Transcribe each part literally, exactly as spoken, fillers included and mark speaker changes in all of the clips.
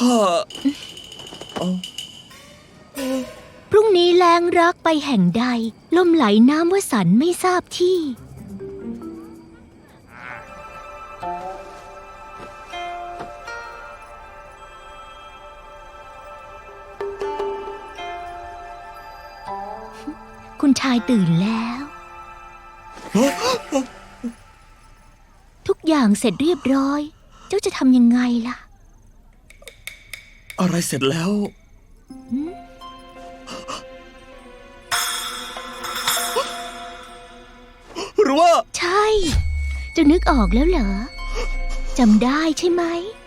Speaker 1: ข้า
Speaker 2: พรุ่งนี้แรงรักไปแห่งใดล่มไหลน้ำวสันต์ไม่ทราบที่คุณชายตื่นแล้ว ทุกอย่างเสร็จเรียบร้อย เจ้าจะทำยังไงล่ะ
Speaker 1: อะไรเสร็จแล้วหรือว่า
Speaker 2: ใช่เจะนึกออกแล้วเหรอจำได้ใช่ไหม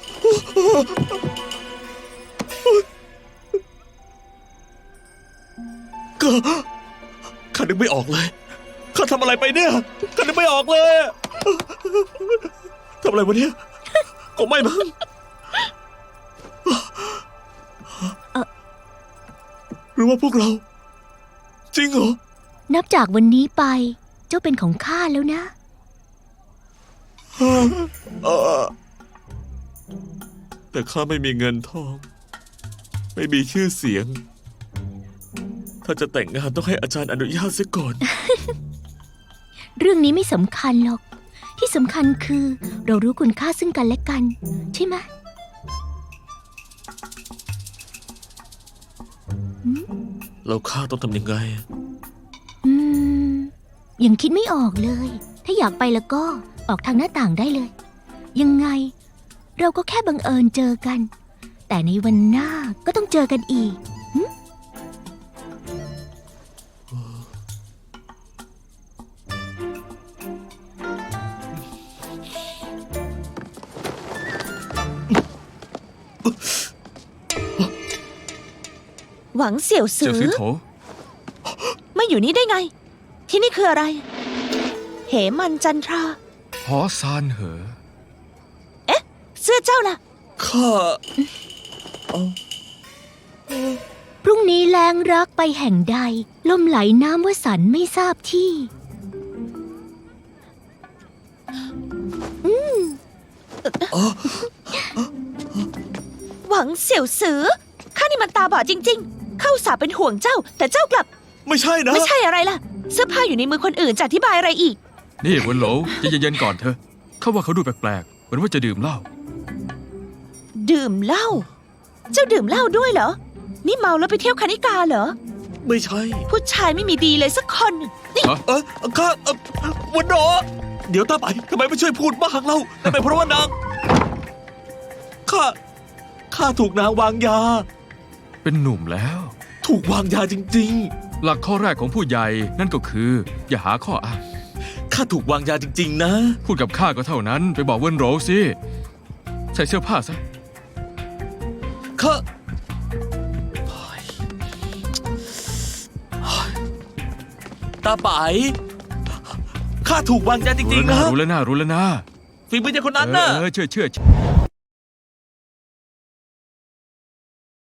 Speaker 1: ก็ข้านึกไม่ออกเลยข้าทำอะไรไปเนี่ยข้านึกไม่ออกเลยทำอะไรวะเนี่ยก็ไม่มั้งหรือว่าพวกเราจริงเหรอ
Speaker 2: นับจากวันนี้ไปเจ้าเป็นของข้าแล้วนะ
Speaker 1: แต่ข้าไม่มีเงินทองไม่มีชื่อเสียงถ้าจะแต่งงานต้องให้อาจารย์อนุญาตเสียก่อน
Speaker 2: เรื่องนี้ไม่สำคัญหรอกที่สำคัญคือเรารู้คุณค่าซึ่งกันและกันใช่ไหม
Speaker 1: แล้วข้าต้องทำยังไง
Speaker 2: อืมยังคิดไม่ออกเลยถ้าอยากไปแล้วก็ออกทางหน้าต่างได้เลยยังไงเราก็แค่บังเอิญเจอกันแต่ในวันหน้าก็ต้องเจอกันอีก
Speaker 3: หวังเสี่ยวสือไม่อยู่นี่ได้ไงที่นี่คืออะไรเหมันจันทรา
Speaker 4: หอซานเหอ
Speaker 3: เอ๊ะเสื้อเจ้าล่ะ
Speaker 1: ข้า
Speaker 2: พรุ่งนี้แรงรักไปแห่งใดล่มไหลน้ำวสันต์ไม่ทราบที่
Speaker 3: หวังเสี่ยวสือข้านี่มันตาบอดจริงๆเข้าสาเป็นห่วงเจ้าแต่เจ้ากลับ
Speaker 1: ไม่ใช่นะ
Speaker 3: ไม่ใช่อะไรล่ะเสื้อผ้าอยู่ในมือคนอื่นจะอธิบายอะไรอีก
Speaker 4: นี่เวินโหลใจเย็นๆก่อนเถอะเขาว่าเขาดูแปลกๆเหมือนว่าจะดื่มเหล้า
Speaker 3: ดื่มเหล้าเจ้าดื่มเหล้าด้วยเหรอนี่เมาแล้วไปเที่ยวคณิกาเหรอ
Speaker 1: ไม่ใช่
Speaker 3: ผู้ชายไม่มีดีเลยสักคน
Speaker 1: นี่เออข้าวันโดเดี๋ยวตาไปทำไมไม่ช่วยพูดบ้างเล่าทำไมเพราะว่านางข้าข้าถูกนางวางยา
Speaker 4: เป็นหนุ่มแล้ว
Speaker 1: ถูกวางยาจริง
Speaker 4: ๆหลักข้อแรกของผู้ใหญ่นั่นก็คืออย่าหาข้ออ้าง
Speaker 1: ข้าถูกวางยาจริงๆนะ
Speaker 4: พูดกับข้าก็เท่านั้นไปบอกเวินโหลสิใส่เสื้อผ้าซะ
Speaker 1: ข้าตาไปข้าถูกวางยาจริงๆนะ
Speaker 4: รู้แล้วนะรู้แล้วนะ
Speaker 1: ฝีมือเจ้าคนนั้นน่ะ
Speaker 4: เออเชื่อเชื่อ